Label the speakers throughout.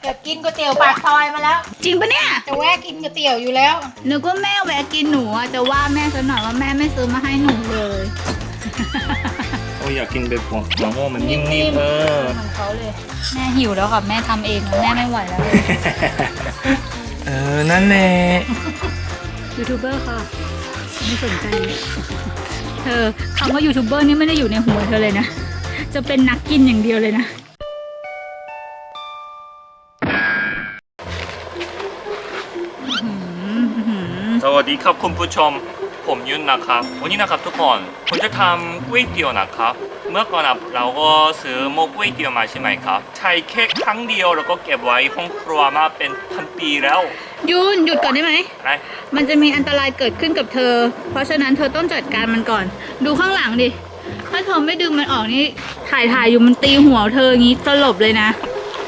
Speaker 1: จะกินก๋วยเตี๋ยวปากซอยมาแล้ว
Speaker 2: จริงปะเนี่ย
Speaker 1: จะแวะกินก๋วยเตี๋ยวอยู่แล้ว
Speaker 2: นึกว่าแม่แวะกินหนูอ่ะจะว่าแม่ซะหน่อยว่าแม่ไม่ซื้อมาให้หนูเลย
Speaker 3: โอ้ยอยากกินแบบหัวโม่มันนิ่มๆ
Speaker 1: เหมือนเขาเลย
Speaker 2: แม่หิวแล้วค่ะแม่ทำเองแม่ไม่ไหวแล้ว
Speaker 3: นั่นแหละ
Speaker 2: ยูทูบเบอร์ค่ะไม่สนใจเธอคำว่ายูทูบเบอร์นี่ไม่ได้อยู่ในหัวเธอเลยนะจะเป็นนักกินอย่างเดียวเลยนะ
Speaker 3: สวัสดีครับคุณผู้ชมผมยุนนะครับวันนี้นะครับทุกคนผมจะทำก๋วยเตี๋ยวนะครับเมื่อก่อนเราก็ซื้อหม้อก๋วยเตี๋ยวมาใช่ไหมครับใช้แค่ครั้งเดียวแล้วก็เก็บไว้ห้องครัวมาเป็นพันปีแล้ว
Speaker 2: ยุนหยุดก่อนได้ไหม
Speaker 3: อะไร
Speaker 2: มันจะมีอันตรายเกิดขึ้นกับเธอเพราะฉะนั้นเธอต้องจัดการมันก่อนดูข้างหลังดิถ้าเธอไม่ดึงมันออกนี่ถ่ายอยู่มันตีหัวเธออย่างนี้สลบเลยนะ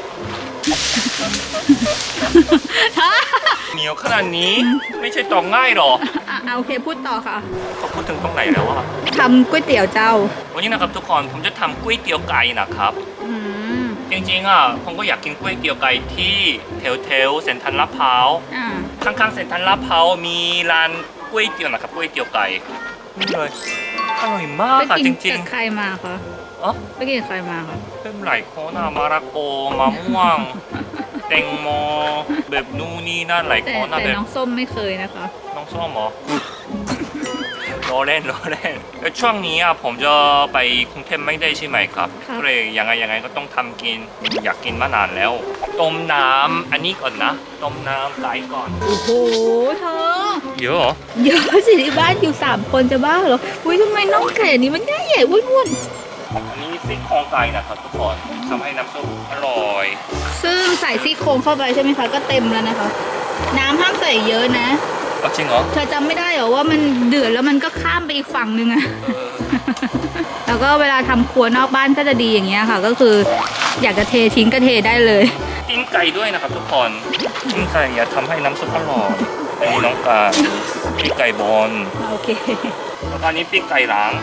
Speaker 3: เหนียวขนาดนี้ไม่ใช่ตองง่ายหรอ
Speaker 2: โอเคพูดต่อค่ะ
Speaker 3: เขาพูดถึงตรงไหนแล้วอะ
Speaker 2: ทำก๋วยเตี๋ยวเจ้า
Speaker 3: วันนี้นะครับทุกคนผมจะทำก๋วยเตี๋ยวไก่นะครับจริงๆผมก็อยากกินก๋วยเตี๋ยวไก่ที่แถวเซ็นทรัลลาดพร้าวข้างๆเซ็นทรัลลาดพร้าวมีร้านก๋วยเตี๋ยวนะครับก๋วยเตี๋ยวไก่นี่เลยอร่อยมากจริงๆไปกิน
Speaker 2: กับใครมาคะไปกินกับใครมาคะ
Speaker 3: เป็นหลายคนมะระกอมะม่วงแตงโมแบบนู่นนี่นั่นหลายคน
Speaker 2: แต่
Speaker 3: แบบ
Speaker 2: น้องส้มไม่เคยนะคะ
Speaker 3: น้องส้มเหรอรอเล่นแล้วช่วงนี้ผมจะไปกรุงเทพไม่ได้ใช่ไหมครับก็เลยยังไงก็ต้องทำกินอยากกินมานานแล้วต้มน้ำอันนี้ก่อนนะต้มน้ำไก่ก่อน
Speaker 2: โอ้โหเธอ
Speaker 3: เยอะเหรอ
Speaker 2: เยอะสิที่บ้านอยู่3 คนจะบ้าเหรออุ้ยทำไมน้องไก่นี้มันใหญ่ๆอ้วน
Speaker 3: อันนี้ซี่โครงไก่นะครับทุกคนทำให้น้ำซุปอร่อย
Speaker 2: ซึ่งใส่ซี่โครงเข้าไปใช่ไหมคะก็เต็มแล้วนะคะน้ำห้ามใส่เยอะนะ
Speaker 3: จริงเหรอ
Speaker 2: เธอจำไม่ได้เหรอว่ามันเดือดแล้วมันก็ข้ามไปอีกฝั่งนึงอะแล้วก็เวลาทำครัวนอกบ้านก็จะดีอย่างเงี้ยค่ะก็คืออยากจะเททิ้งก็เทได้เลย
Speaker 3: กินไก่ด้วยนะครับทุกคนกินไก่อย่าทำให้น้ำซุปอร่อยอันนี้น้องการปีกไก่บอล
Speaker 2: โอเค
Speaker 3: แล้วอันนี้ปีกไก่ล้าง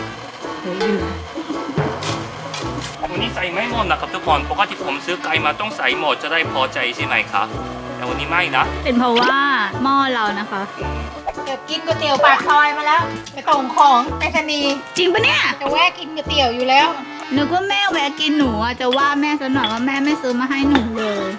Speaker 3: วันนี้ใส่ไม่หมดนะครับทุกคนปกติผมซื้อไก่มาต้องใส่หมดจะได้พอใจใช่ไหมครับแต่วันนี้ไม่นะ
Speaker 2: เป็นเพราะว่าหม้อเรานะคะ
Speaker 1: จะกินก๋วยเตี๋ยวปากซอยมาแล้วไปส่งของไปรษณีย์
Speaker 2: จริงปะเนี่ย
Speaker 1: จะแวะกินก๋วยเตี๋ยวอยู่แล้ว
Speaker 2: นึกว่าแม่แวะกินหนูอ่ะจะว่าแม่ซะหน่อยว่าแม่ไม่ซื้อมาให้หนูเลย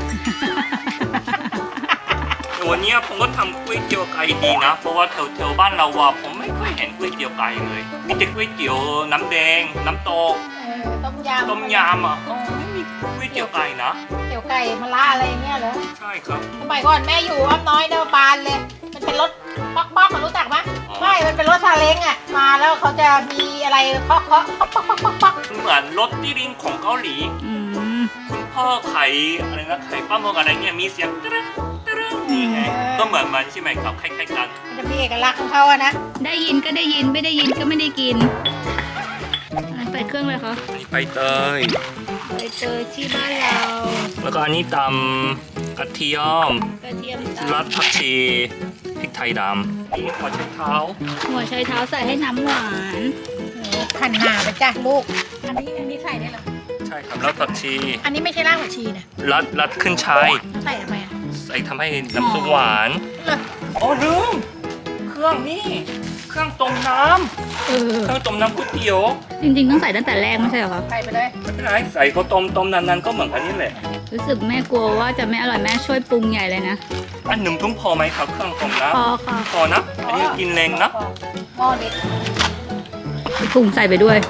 Speaker 3: วันนี้ผมก็ทำก๋วยเตี๋ยวไก่ดีนะเพราะว่าแถวบ้านเราผมไม่ค่อยเห็นก๋วยเตี๋ยวไก่เลยมีแต่ก๋วยเตี๋ยวน้ำแดงน้ำตก
Speaker 1: ต้มยำ
Speaker 3: ไม่มีก๋วยเตี๋ยวไก่นะ
Speaker 1: เตี๋ยวไก่มะระอะไรเงี้ยเหรอ
Speaker 3: ใช่ครับ
Speaker 1: สมัยก่อนแม่อยู่อ้อมน้อยเดินบานเลยมันเป็นรถป๊อกรู้จักไหมไม่มันเป็นรถซาเล้งมาแล้วเขาจะมีอะไรเคาะป๊อก
Speaker 3: เหมือนรถที่ริงของเกาหลีคุณพ่อไข่อะไรนะไข่ปลาหมึกอะไรเนี่ยมีเสียงตึ๊ดนี่ไงก็เหมือนมันใช่ไหมครับคล้ายๆกัน
Speaker 1: มันจะมีเอกลักษณ์ของเขานะ
Speaker 2: ได้ยินก็ได้ยินไม่ได้ยินก็ไม่ได้กินใส่เครื่องเลยคะ
Speaker 3: ไปเตย
Speaker 2: ที่บ้านเรา
Speaker 3: แล้วก็อันนี้ตำกระเทียมรัดผักชีพริกไทยดำนี่หัวไชเท้า
Speaker 2: ใส่ให้น้ำหวาน
Speaker 1: หั่นหนาไปจ้ะลูกอันนี้ใส่ได้เหรอ
Speaker 3: ใช่ครับรัดผักชี
Speaker 1: อันนี้ไม่ใช่รากผักชีนะ
Speaker 3: รัดขึ้นช่าย
Speaker 1: ใส่ทำไม
Speaker 3: ใส่ทำให้น้ำซุปหวานลืมเครื่องนี่เครื่องต้มน้ำเครื่องต้มน้ำก๋วยเตี๋ยว
Speaker 2: จริงๆต้องใส่ตั้งแต่แรกไม่ใช่เหรอคะ
Speaker 1: ใส่ไปเลย
Speaker 3: ไม่เป็นไรใส่เขาต้มนานๆก็เหมือนกันนี่แหละ
Speaker 2: รู้สึกแม่กลัวว่าจะไม่อร่อยแม่ช่วยปรุงใหญ่เลยนะ
Speaker 3: อันหนึ่งทุ่งพอไหมครับเครื่องต้มน้ำ
Speaker 2: พอ
Speaker 3: นะอันนี้กินแรงนะ
Speaker 1: หม้อเล็ก
Speaker 2: ถุงใส่ไปด้วย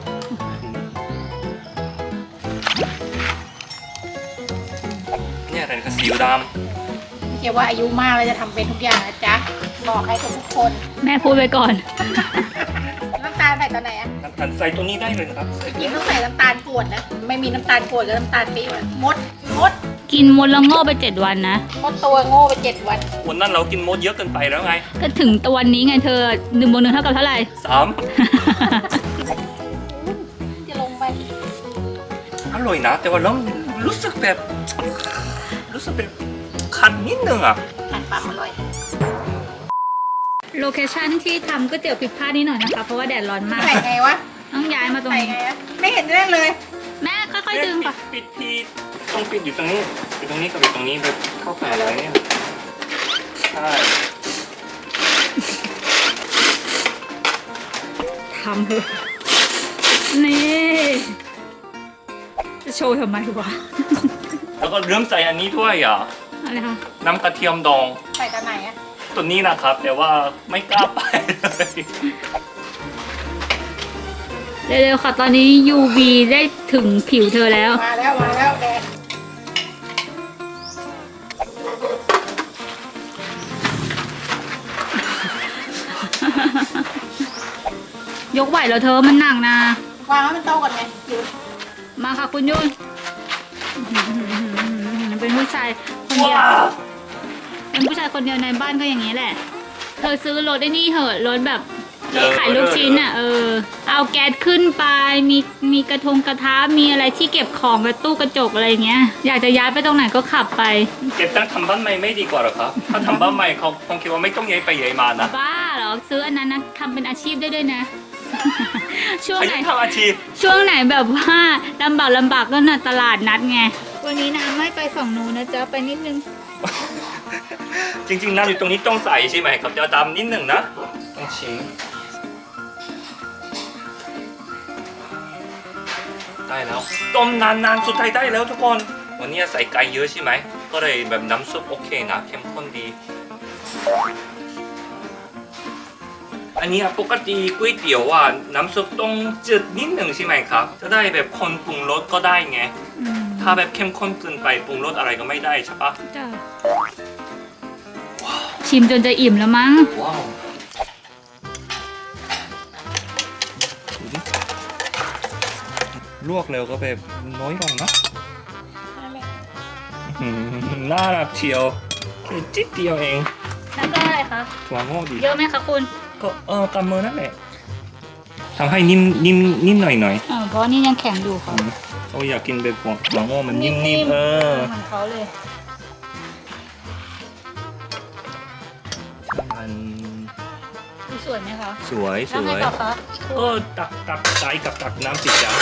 Speaker 3: เนี่ยอะไรก็ซีอิ๊วดำ
Speaker 1: เกี่ยวว่าอายุมากเลยจะทำเป็นทุกอย่างนะจ๊ะบอกให้ทุกคน
Speaker 2: แม่พูดไปก่อน
Speaker 1: น้ำตาลใส่ตอนไหน
Speaker 3: น้ำตาลใส่ตัวนี้ได้เลยครับ
Speaker 1: กินต้องใส่น้ำตาลกรวดนะไม่มีน้ำตาลกรวดกับน้ำตาลปี๊บมด
Speaker 2: กินมดแล้วโง่ไป7 วันนะ
Speaker 1: มดตัวโง่ไป7 วัน
Speaker 3: วันนั้นเรากินมดเยอะเกินไปแล้วไง
Speaker 2: ก็ถึงตัววันนี้ไงเธอ1 บวก 1เท่ากับเท่าไหร่
Speaker 3: 3
Speaker 1: จะลงไป
Speaker 3: อร่อยนะแต่ว่าเรารู้สึกแบบคันนิดนึง
Speaker 1: คันปากอร่อย
Speaker 2: โลเคชั่นที่ทำก๋วยเตี๋ยวผิดพลาดนิดหน่อยนะคะเพราะว่าแดดร้อนมาก
Speaker 1: ใส่ไงวะ
Speaker 2: ต้องย้ายมาตรงนี้
Speaker 1: ไม่เห็นได้เลย
Speaker 2: แม่ค่อยๆดึงค่ะ
Speaker 3: ปิดต้องปิดอยู่ตรงนี้อยู่ตรงนี้กับอยู่ตรงนี้แบบเข้ากันเลยเนี่ยใช่
Speaker 2: ทำเถอะนี่จะโชว์ทำไมวะ
Speaker 3: แล้วก็เริ่มใส่อันนี้ด้วยอ่ะ
Speaker 2: อะไรคะ
Speaker 3: น้ำกระเทียมดอง
Speaker 1: ใส่ตอนไหนอะ
Speaker 3: ตัวนี้นะครับ แต่ว่าไม่กล้าไปเลย
Speaker 2: เร็วๆค่ะตอนนี้ UV ได้ถึงผิวเธอแล้ว
Speaker 1: มาแล้วแดด
Speaker 2: ยกไหวแล้วเธอมันหนักนะ
Speaker 1: วางให้มันโตก่อนไงหยุด
Speaker 2: มาค่ะคุณยุ่นเป็นผู้ชายคนเดียว
Speaker 3: ว้าว
Speaker 2: เป็นผู้ชายคนเดียวในบ้านก็อย่างนี้แหละ เธอซื้อรถไอ้นี่เหอะรถแบบรถขายลูกชิ้นอ่ะเอาแก๊สขึ้นไปมีกระทะมีอะไรที่เก็บของกระตู้กระจกอะไรอย่างเงี้ย อยากจะย้ายไปตรงไหนก็ขับไป
Speaker 3: เก็บตั้งทำบ้านใหม่ไม่ดีกว่าหรอครับ ถ้าทำบ้านใหม่เขาคงคิดว่าไม่ต้องย้ายไปย้ายมานะ
Speaker 2: บ้าเหรอซื้ออันนั้นนะทำเป็นอาชีพได้ด้วยนะ ช่วง
Speaker 3: อา
Speaker 2: ไหน
Speaker 3: ยุทำอาชีพ
Speaker 2: ช่วงไหนแบบว่าลำบากก็น่ะตลาดนัดไงวันนี้น้ำไม่ไปฝั่งนู้นนะจ๊ะไปนิดนึง
Speaker 3: จริงๆน้ำอยู่ตรงนี้ต้องใส่ใช่ไหมครับจะดำนิดหนึ่งนะต้องชิมได้แล้วต้มนานๆสุดท้ายได้แล้วทุกคน วันนี้ใส่ไก่เยอะใช่ไหมก็เลยแบบน้ำซุปโอเคนะเข้มข้นดี อันนี้ปกติก๋วยเตี๋ยวอ่ะน้ำซุปต้องจืดนิดหนึ่งใช่ไหมครับ จะได้แบบคนปรุงรสก็ได้ไง ถ้าแบบเข้มข้นเกินไปปรุงรสอะไรก็ไม่ได้ใช่ปะ
Speaker 2: จ้ะชิมจนจะอิ่มแล้วมั้ง
Speaker 3: ว้าวลวกเร็วก็แบบน้อยลงนะ
Speaker 1: นั่นแหละ
Speaker 3: น่ารักเชียวแค่จิ๊ดเดียวเอง
Speaker 2: แล้วก็อะไรคะ
Speaker 3: ถั่วงอกดี
Speaker 2: เยอะไหมคะคุณ
Speaker 3: ก็กำมือนั่นแหละทำให้นิ่มหน่อย
Speaker 2: เพราะนี่ยังแข็งอยู่ค่ะ
Speaker 3: เขาอยากกินแบบถั่วงอกมันนิ่มๆ
Speaker 2: เหมือนเขาเลย
Speaker 3: มัน
Speaker 2: ดูสวยไหมคะ
Speaker 3: สวย
Speaker 2: แล้วไงต่อคะ
Speaker 3: ก็ตักไก่กับตักน้ำสิจ๊ะ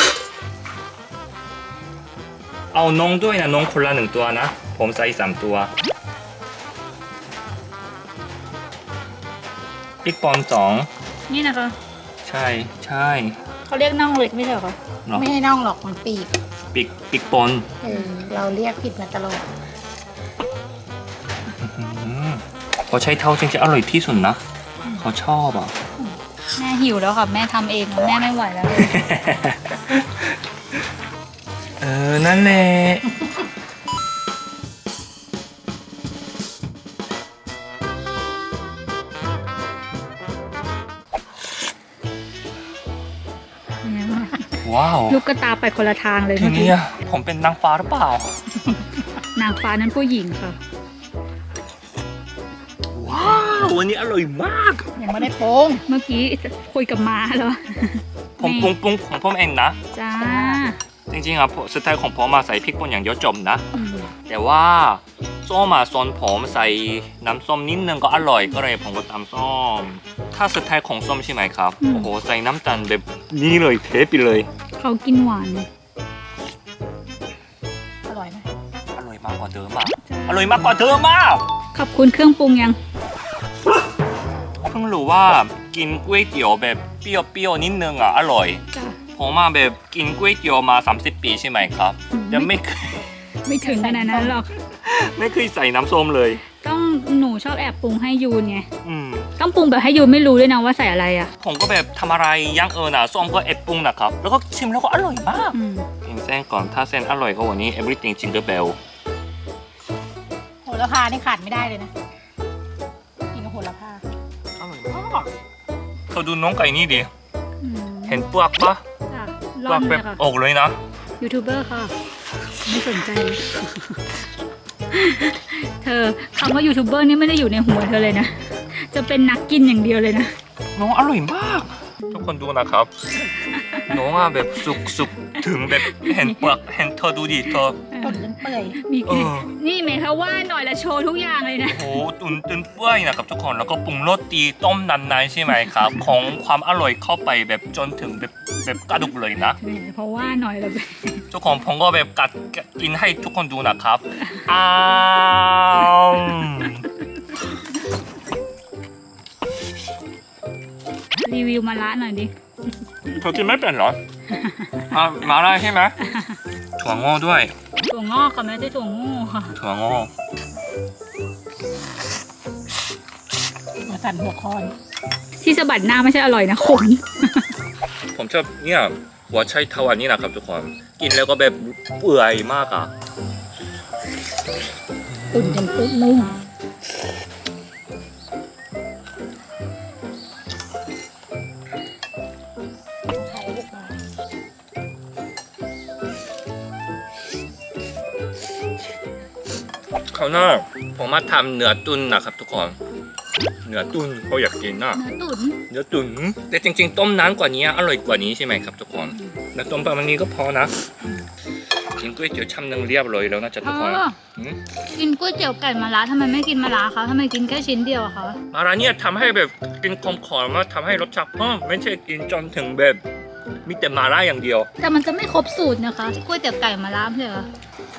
Speaker 3: เอานงด้วยนะนงคนละ1 ตัวนะ ผมใส่3 ตัวพริกป่น2
Speaker 2: นี่นะคะ
Speaker 3: ใช่
Speaker 2: เขาเรียกน่องเล็กไม่ใช่เหรอคะ
Speaker 3: เนาะ
Speaker 1: ไม่ให้น่องหรอกมันปีก
Speaker 3: พริกป่น
Speaker 1: เราเรียกผิดมาตลอด
Speaker 3: พอใช้เท้าจริงจะอร่อยที่สุดนะเขาชอบอ่ะ
Speaker 2: แม่หิวแล้วค่ะแม่ทำเองแล้วแม่ไม่ไหวแล้วเลย
Speaker 3: นั่นแหละว้าว
Speaker 2: ลูกกระตาไปคนละทางเลย
Speaker 3: ที
Speaker 2: เมื่อ
Speaker 3: นี้
Speaker 2: กี้
Speaker 3: ผมเป็นนางฟ้าหรือเปล่า
Speaker 2: นางฟ้านั้นผู้หญิงค่ะ
Speaker 3: ว้าววันนี้อร่อยมาก
Speaker 1: ยังไม่ได้โป้ง
Speaker 2: เมื่อกี้คุยกับม้าแล้ว
Speaker 3: ผมปรุงของผมเองนะ
Speaker 2: จ้า
Speaker 3: จริงๆอ่ะสไตล์ของผมมาใส่พริกป่นอย่างเดียวจบนะ
Speaker 2: อืม
Speaker 3: แต่ว่าส้มมาซอนผมใส่น้ำส้มนิดนึงก็อร่อยก็เลยผมก็ตำส้ม ถ้าสไตล์ของส้มใช่ไหมครับ โอ้โหใส่น้ำตาลแบบนี้เลยเทไปเลย
Speaker 2: เขากินหวาน
Speaker 1: อร่อยไหม
Speaker 3: อร่อยมากกว่าเดิมอ่ะอร่อยมากกว่าเดิมมาก
Speaker 2: ขอบคุณเครื่องปรุงยัง
Speaker 3: เพิ่งรู้ว่ากินก๋วยเตี๋ยวแบบเปรี้ยวๆนิดนึงอ่ะอร่อย
Speaker 2: จ้า
Speaker 3: ผมมาแบบกินก๋วยเตี๋ยวมา30 ปีใช่ไหมครับแต่ไม่เคย
Speaker 2: ไม่ถึงขนาดนั้นหรอก
Speaker 3: ไม่เคยใส่น้ำส้มเลย
Speaker 2: ต้องหนูชอบแอบปรุงให้ยูนไง
Speaker 3: อืม
Speaker 2: ต้องปรุงแบบให้ยูนไม่รู้ด้วยนะว่าใส่อะไรอ่ะ
Speaker 3: ผมก็แบบทำอะไรย่างน่ะส้มก็เอ็ดปรุงนะครับแล้วก็ชิมแล้วก็อร่อยมาก
Speaker 2: อืม
Speaker 3: กินเส้นก่อนถ้าเส้นอร่อยก็วันนี้ everything jingle bell
Speaker 1: โหระพานี่ขาดไม่ได้เลยนะกินกับโหระพา
Speaker 3: อร่อยมากเขาดูน้องไก่นี่ดิ
Speaker 2: อืม
Speaker 3: เห็นเปลือกปะ
Speaker 2: จ้ะ
Speaker 3: เป
Speaker 2: ร่
Speaker 3: ลื
Speaker 2: อ
Speaker 3: อน ก
Speaker 2: เล
Speaker 3: แบ
Speaker 2: ย
Speaker 3: บ
Speaker 2: ค่ะ
Speaker 3: ออกเลยนะ
Speaker 2: ยูทูบเบอร์ค่ะ ไม่สนใจ เธอคำว่ายูทูบเบอร์นี่ไม่ได้อยู่ในหัวเธอเลยนะ จะเป็นนักกินอย่างเดียวเลยนะ
Speaker 3: น้องอร่อยมาก ทุกคนดูนะครับ น้องอ่ะแบบสุกถึงแบบเห็นเปลือกเห็นเธอดูดิเธอ
Speaker 1: ต้นจนเปื่อย
Speaker 2: มี
Speaker 3: เออ
Speaker 2: นี่เมย์เขาว่าหน่อยละโชว์ทุกอย่างเลยนะ
Speaker 3: โอ้โหตุนเปื่อยนะครับทุกคนแล้วก็ปรุงรสดีต้มนานๆใช่ไหมครับ ของความอร่อยเข้าไปแบบจนถึงแบบแบบกระดูกเลยนะ
Speaker 2: เพราะว่าหน่อยเลย
Speaker 3: ทุกคนผมก็แบบกัดกินให้ทุกคนดูนะครับอ้าว
Speaker 2: รีวิวมาละหน่อยดิ
Speaker 3: เธอกินไม่เป็นเหรอมาได้ใช่ไหมถั่วงอกด้วย
Speaker 2: ถั่วงอกค่ะไม่ใช่ถั่วงูค่ะ
Speaker 3: ถั่วงอก
Speaker 1: มาสั่นหัวคอน
Speaker 2: ที่สะบัดหน้าไม่ใช่อร่อยนะขน
Speaker 3: ผมชอบเนี่ยหัวไชเท้าอันนี้นะครับทุกคนกินแล้วก็แบบเปื่อยมากอ่ะ
Speaker 1: ตุ่นจนปุ๊บนุ่มไข่ลูกมา
Speaker 3: คราวหน้าผมมาทำเนื้อตุ๋นนะครับทุกคนเนื้อตุ๋นเขาอยากกินนะ
Speaker 2: เนื้อตุ๋น
Speaker 3: เนื้อตุ๋นแต่จริงๆต้มน้ำกว่านี้อร่อยกว่านี้ใช่ไหมครับทุกคนแล้วต้มประมาณนี้ก็พอนะกินก๋วยเตี๋ยวชามนึงเรียบร้อยแล้วนะจ๊ะทุกคน
Speaker 2: กินก๋วยเตี๋ยวไก่มะระทำไมไม่กินมะระคะทำไมกินแค่ชิ้นเดียวอะคะ
Speaker 3: มาร้านเนี่ยทำให้แบบกินคมขอมาทำให้รสชาติเพิ่มไม่ใช่กินจนถึงแบบมีแต่มาล่าอย่างเดียว
Speaker 2: แต่มันจะไม่ครบสูตรนะคะก๋วยเตี๋ยวไก่มะระไม่ใช่เหรอ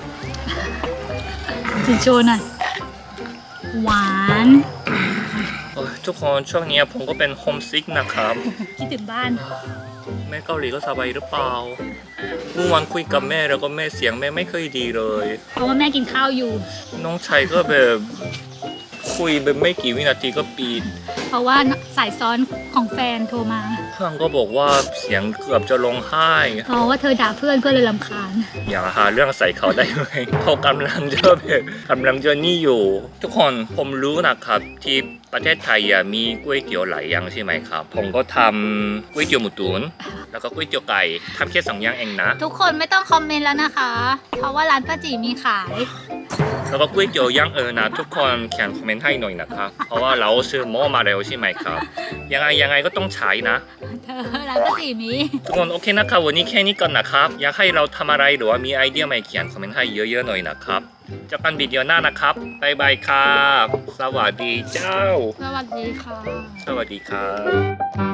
Speaker 2: กินโชว์หน่อยหวาน
Speaker 3: โอ้ยทุกคนช่วงนี้ผมก็เป็นโฮมซิกนะครับ
Speaker 2: คิดถึงบ้าน
Speaker 3: แม่เกาหลีก็สบายหรือเปล่าเมื่อวานคุยกับแม่แล้วก็แม่เสียงแม่ไม่เคยดีเลย
Speaker 2: เพราะว่าแม่กินข้าวอยู่
Speaker 3: น้องชายก็แบบคุยแบบไม่กี่วินาทีก็ปิด
Speaker 2: เพราะว่าสายซ้อนของแฟนโทรมา
Speaker 3: เพื่อนก็บอกว่าเสียงเกือบจะร้องไห้
Speaker 2: เพราะว่าเธอด่าเพื่อนก็เลยรำคาญ
Speaker 3: อย่าหาเรื่องใส่เขาได้ไหม เขากำลังจะแบบกำลังจะนี่อยู่ ทุกคนผมรู้นะครับที่ประเทศไทยมีก๋วยเตี๋ยวหลายอย่างใช่ไหมครับ ผมก็ทำก๋วยเตี๋ยวหมูตุ๋นแล้วก็ก๋วยเตี๋ยวไก่ทำแค่2อย่างเองนะ
Speaker 2: ทุกคนไม่ต้องคอมเมนต์แล้วนะคะ เพราะว่าร้านป้าจีมีขาย
Speaker 3: แล้วก็ก๋วยเตี๋ยวย่างนะทุกคนเขียนคอมเมนต์ให้หน่อยนะครับ เพราะว่าเราซื้อหม้อมาแล้วใช่ไหมครับ ยังไงก็ต้องใช้นะ
Speaker 2: เธอร้านป้าจีมี
Speaker 3: ทุกคนโอเคนะครับวันนี้แค่นี้ก่อนนะครับ อยากให้เราทำอะไรหรือว่ามีไอเดียใหม่เขียนคอมเมนต์ให้เยอะๆหน่อยนะครับเจอกันวิดีโอหน้านะครับบ๊ายบายครับ สวัสดีเจ้า
Speaker 2: สวัสดีค่ะ
Speaker 3: สวัสดีครับ